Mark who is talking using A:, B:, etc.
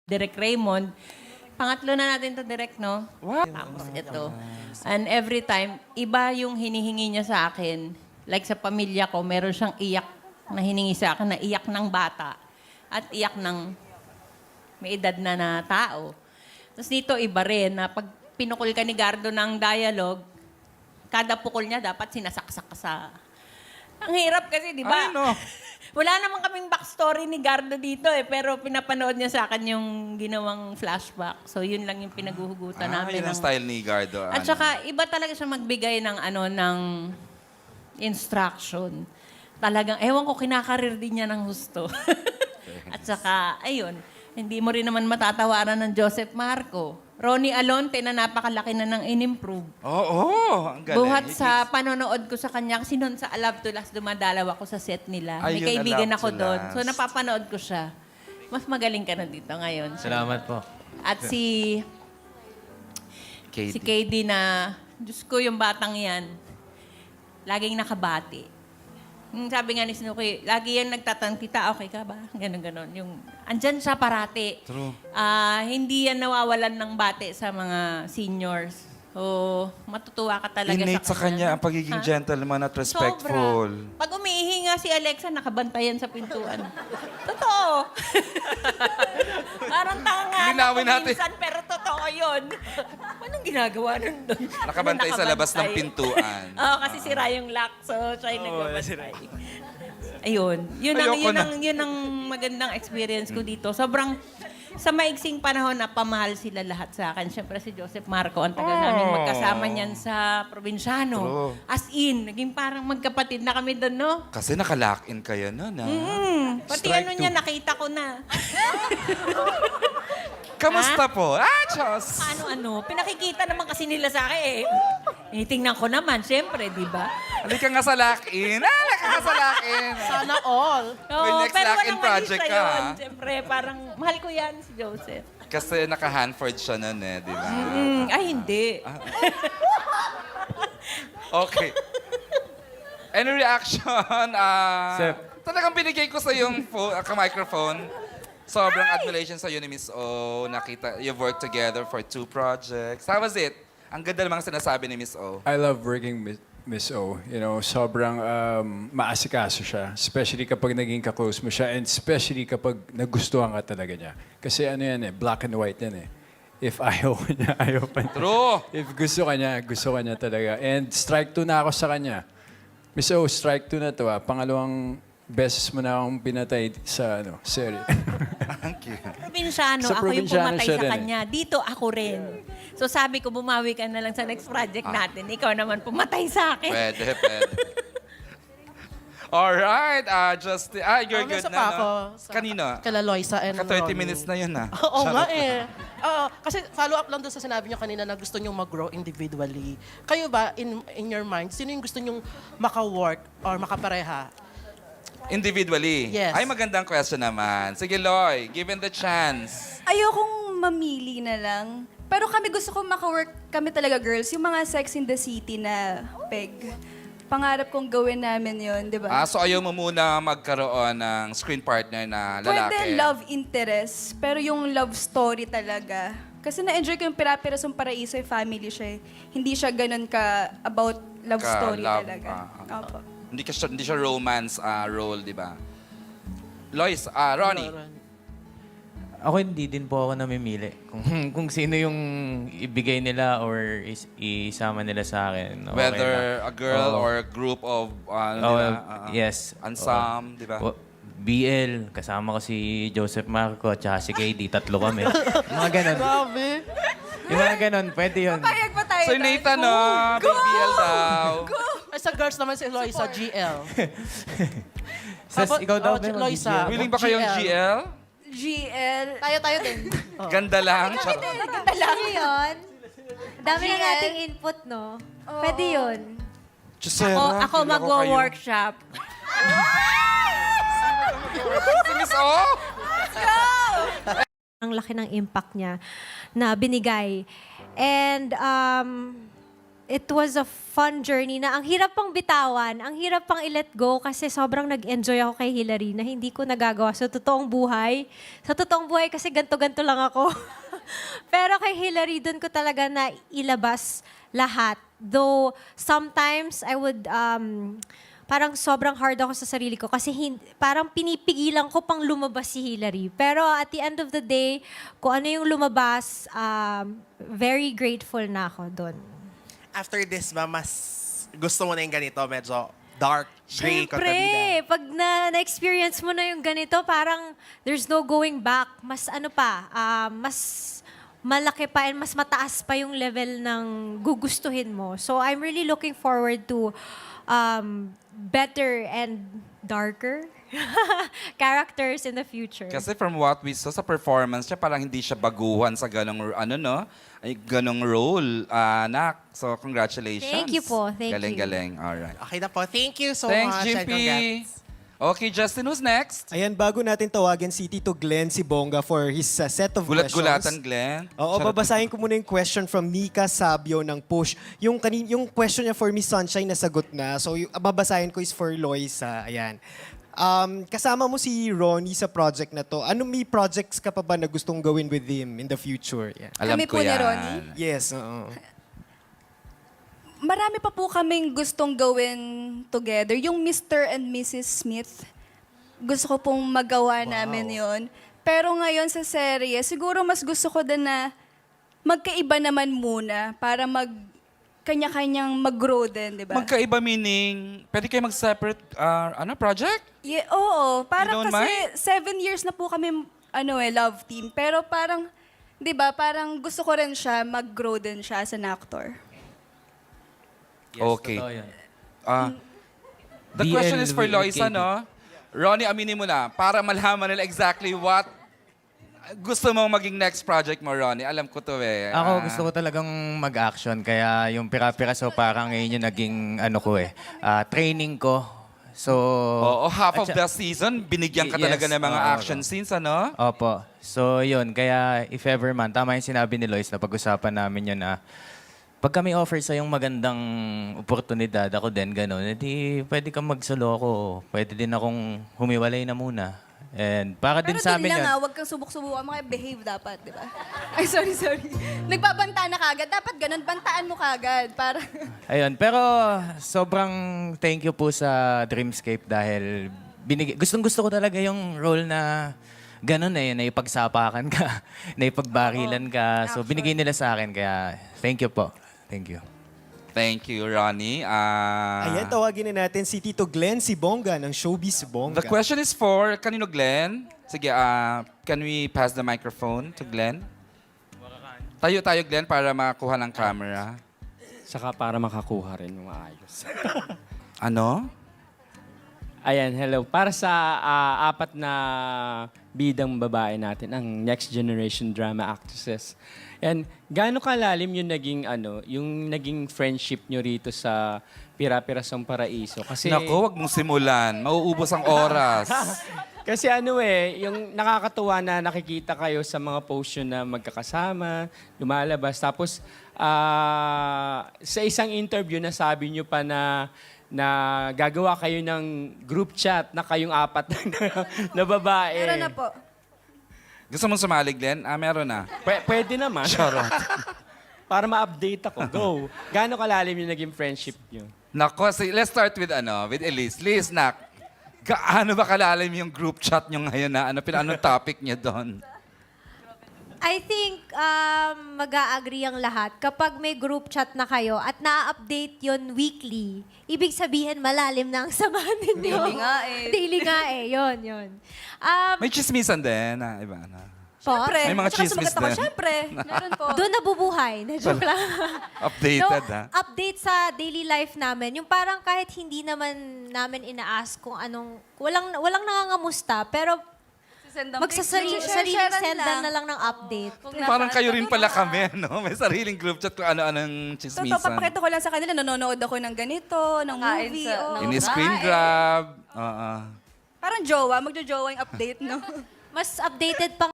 A: Direk Raymond. Pangatlo na natin to Direk, no?
B: Wow.
A: Tapos ito. And every time, iba yung hinihingi niya sa akin. Like sa pamilya ko, meron siyang iyak na hiningi sa akin na iyak ng bata at iyak ng may edad na tao. Tapos dito, iba rin na pag pinukul ka ni Gardo ng dialogue, kada pukul niya dapat sinasaksak ka sa... Ang hirap kasi, di ba?
B: Ay, no.
A: Wala naman kaming backstory ni Gardo dito pero pinapanood niya sa akin yung ginawang flashback. So, yun lang yung pinaguhugutan namin.
B: Yun ang style ni Gardo.
A: At saka, iba talaga siya magbigay ng, ng instruction. Talagang, ewan ko, kinakarir din niya ng husto. At saka, ayun, hindi mo rin naman matatawaran ng Joseph Marco. Ronnie Alonte na napakalaki na ng in-improve.
B: Oo, ang galing.
A: Buhat sa panonood ko sa kanya, kasi noon sa I Love to Last, dumadalaw ako sa set nila. May
B: Ayun,
A: kaibigan
B: I Love
A: ako
B: to
A: doon.
B: Last.
A: So napapanood ko siya. Mas magaling ka na dito ngayon.
C: Salamat po.
A: At si KD na, Diyos ko, yung batang yan, laging nakabati. Sabi nga ni Snooki, lagi yan nagtatanong, kita, okay ka ba? Ganon. Yung, andyan siya parati.
B: True.
A: Hindi yan nawawalan ng bate sa mga seniors. So, matutuwa ka talaga
B: Innate sa kanya ang pagiging gentleman at respectful.
A: Sobra. Pag umiihi nga si Alexa, nakabantayan sa pintuan. Totoo. Parang tanga
B: Linawin
A: na
B: natin.
A: minsan, pero totoo yun. Anong ginagawa nun doon?
B: Nakabantay sa labas ng pintuan.
A: Oo, kasi sira yung lock, so siya yung nagbabantay. Ayun. Yun ang magandang experience ko dito. Sobrang, sa maigsing panahon na pamahal sila lahat sa akin. Siyempre si Joseph Marco, ang tagal namin magkasama niyan sa probinsyano.
B: True.
A: As in, naging parang magkapatid na kami doon, no?
B: Kasi nakalock-in kayo nun, ha?
A: Pati
B: Strike
A: niya, nakita ko na.
B: Kamusta po? Diyos!
A: Ano? Pinakikita naman kasi nila sa akin eh. Tingnan ko naman, siyempre, di ba?
B: Halika nga sa lock-in. Halika nga sa lock-in.
D: Sana all.
B: May next
A: pero
B: lock-in
A: walang
B: project
A: mali
B: ka,
A: sa yun.
B: ha?
A: Siyempre, parang mahal ko yan si Joseph.
B: Kasi naka-Hanford siya nun, eh, di ba?
A: Ay, hindi.
B: Okay. Any reaction?
C: Sir.
B: Talagang binigay ko sa yung microphone. Sobrang admiration sa ni Miss O. Nakita, you've worked together for 2 projects. How was it? Ang ganda namang sinasabi ni Miss O.
E: I love working with Miss O. You know, sobrang maasikaso siya. Especially kapag naging ka-close mo siya and especially kapag nagustuhan ka talaga niya. Kasi ano yan eh, black and white yan eh. If ayaw ko niya, ayaw pa niya.
B: True!
E: If gusto ka niya talaga. And strike 2 na ako sa kanya. Miss O, strike 2 na to ah. Pangalawang beses mo na akong pinatay sa serye.
B: Thank you.
A: Probinsyano,
E: Sa
A: ako yung
E: probinsyano
A: pumatay
E: siya
A: sa
E: din eh.
A: kanya. Dito, ako rin. So sabi ko, bumawi ka na lang sa next project natin. Ikaw naman pumatay sa akin.
B: Pwede. Alright, you're good
D: Nasa
B: na,
D: pa
B: no?
D: ako sa-
B: Kanino?
D: Kala Loisa and
B: Ka 30
D: Ronnie.
B: minutes na yun, ha?
D: Oo nga eh. Kasi follow up lang doon sa sinabi niyo kanina na gusto niyo mag-grow individually. Kayo ba, in your mind, sino yung gusto niyong maka-work or makapareha?
B: Individually?
D: Yes.
B: Ay, magandang question naman. Sige, Loy, given the chance.
F: Ayokong mamili na lang. Pero kami gusto kong maka-work kami talaga, girls. Yung mga Sex in the City na peg. Pangarap kong gawin namin yon, di ba?
B: So ayaw mo muna magkaroon ng screen partner na lalaki?
F: Pwede love interest, pero yung love story talaga. Kasi na-enjoy ko yung Piraperasong Paraiso, yung family siya. Hindi siya ganun ka about love story
B: Ka-love,
F: talaga. Opo.
B: Hindi siya romance role, di ba? Lois, Ronnie.
C: Ako hindi din po ako namimili kung sino yung ibigay nila or isama nila sa akin. Okay
B: Whether
C: lang.
B: a girl
C: Oo.
B: or a group of,
C: Yes.
B: Ansam, di ba?
C: BL, kasama ko si Joseph Marco at saka si KD. Tatlo kami. Mga ganon.
D: Grabe.
C: Yung mga ganon, pwede yun.
F: Payag pa tayo.
B: So Nathan, no? BBL daw.
D: Ay, sa girls naman si Loisa, GL.
C: Sas, ikaw daw, may
D: Loisa.
B: Willing ba kayong GL?
F: GL.
G: Tayo din.
B: Ganda lang. Charot.
G: Pwede yun. Dami na nating input, no? Pwede yun.
B: Gisela,
A: Ako
B: feel
A: magwo-workshop.
B: Si Miss O?
G: Ang laki ng impact niya na binigay. And it was a fun journey na ang hirap pang bitawan, ang hirap pang i-let go kasi sobrang nag-enjoy ako kay Hillary na hindi ko nagagawa sa totoong buhay. Sa totoong buhay kasi ganto-ganto lang ako. Pero kay Hillary, doon ko talaga na ilabas lahat. Though sometimes I would parang sobrang hard ako sa sarili ko kasi parang pinipigilan ko pang lumabas si Hillary. Pero at the end of the day, kung ano yung lumabas, very grateful na ako doon.
H: After this ba, mas gusto mo na yung ganito, medyo dark, gray,
G: Siyempre,
H: kontrabida?
G: pag na-experience mo na yung ganito, parang there's no going back. Mas ano pa, mas malaki pa and mas mataas pa yung level ng gugustuhin mo. So I'm really looking forward to better and darker characters in the future.
B: Kasi from what we saw sa performance niya, parang hindi siya baguhan sa ganong, ganong role, anak. So, congratulations.
G: Thank you po. Thank you.
B: Galing-galing. Alright.
H: Okay na po. Thank you so
B: Thanks,
H: much. and
B: JP.
H: congrats.
B: Okay, Justin, who's next?
I: Ayan, bago natin tawagin si Tito Glenn si Bongga for his set of
B: Gulat-gulatan,
I: questions.
B: Glenn.
I: Oo,
B: Charot.
I: babasahin ko muna yung question from Nika Sabio ng Push. Yung question niya for Miss Sunshine nasagot na. So, yung babasahin ko is for Loisa. Ayan. Kasama mo si Ronnie sa project na to. May projects ka pa ba na gustong gawin with him in the future? Yeah.
B: Alam
F: Kami
B: ko
F: po ni
B: yan.
F: Ronnie?
I: Yes, oo.
F: Marami pa po kaming gustong gawin together. Yung Mr. and Mrs. Smith, gusto ko pong magawa namin yon. Pero ngayon sa serye, siguro mas gusto ko din na magkaiba naman muna para kanya-kanyang mag-grow din, di ba?
B: Magkaiba meaning, pwede kayo mag-separate project?
F: Yeah, oo,
B: You
F: parang
B: don't
F: kasi
B: mind?
F: 7 years na po kami love team. Pero parang, di ba, parang gusto ko rin siya, mag-grow din siya as an actor.
B: Okay.
C: Totoo yan.
B: The
C: BL
B: question is for
C: with
B: Loisa,
C: Katie.
B: no? Ronnie, aminin mo na, para malaman nila exactly what gusto mong maging next project mo, Ronnie. Alam ko to eh.
C: Ako gusto ko talagang mag-action kaya yung pira-piraso parang ngayon yung naging training ko. So
B: Oo, half of
C: at
B: the season, binigyan ka
C: Yes,
B: talaga ng mga
C: oo,
B: action
C: oo.
B: scenes, ano?
C: Opo. So yun, kaya if ever man, tama yung sinabi ni Lois na pag-usapan namin yun na pag kami offer sa yung magandang oportunidad, ako din, gano'n, edi pwede kang magsolo ako. Pwede din akong humiwalay na muna. And para
F: Pero
C: din sa amin
F: din lang
C: yun.
F: huwag kang subok-subukan, behave dapat, di ba? Ay, sorry. Nagbabanta na kagad. Dapat ganun, bantaan mo kagad. Para...
C: Ayun, pero sobrang thank you po sa Dreamscape dahil gustong-gusto ko talaga yung role na ganun na ipagsapakan ka, na ipagbarilan ka. So binigay nila sa akin, kaya thank you po. Thank you.
B: Thank you, Ronnie.
I: Ayan, tawagin na natin si Tito Glenn si Bongga ng Showbiz Bongga.
B: The question is for, kanino, Glenn? Sige, can we pass the microphone to Glenn? Tayo, Glenn, para makakuha ng camera.
J: Saka para makakuha rin ng maayos.
B: Ano?
J: Ayan, hello. Para sa apat na bidang babae natin, ang next generation drama actresses. Yan, gaano kalalim yung naging friendship nyo rito sa Pira-Pirasong Paraiso? Kasi
B: Naku, wag mong simulan. Mauubos ang oras.
J: Kasi yung nakakatuwa na nakikita kayo sa mga post nyo na magkakasama, lumalabas. Tapos, sa isang interview, nasabi nyo pa na gagawa kayo ng group chat na kayong apat na babae.
F: Meron na po.
B: Gusto mong sumali, Glenn? Meron na.
J: Pwede naman.
B: Charot.
J: Para ma-update ako. Go. Gaano kalalim yung naging friendship nyo?
B: Nako, let's start with Elise. Liz, nak, gaano ba kalalim yung group chat nyo ngayon na anong topic niyo doon?
G: I think mag-a-agree ang lahat. Kapag may group chat na kayo at na-update yon weekly, ibig sabihin malalim na ang samahan ninyo.
F: Daily nga eh.
G: Daily nga eh. Yun.
B: May chismisan din, iba na.
F: Siyempre.
B: May mga
F: At saka
B: chismis
F: sumagot ako,
B: din.
F: Siyempre. Meron po.
G: Doon nabubuhay. Na joke lang.
B: Updated, ha?
G: Update sa daily life namin. Yung parang kahit hindi naman namin ina-ask kung anong... Walang nangangamusta, pero sariling sendan na lang ng update.
B: Parang kayo rin pala kami, no? May sariling group chat kung ano-anong
F: Totoo,
B: chismisan.
F: papakita ko lang sa kanila, nanonood ako ng ganito, ng movie.
B: Ini-screen grab. Oo.
F: Parang jowa, magjo-jowa yung update, no?
G: Mas updated pa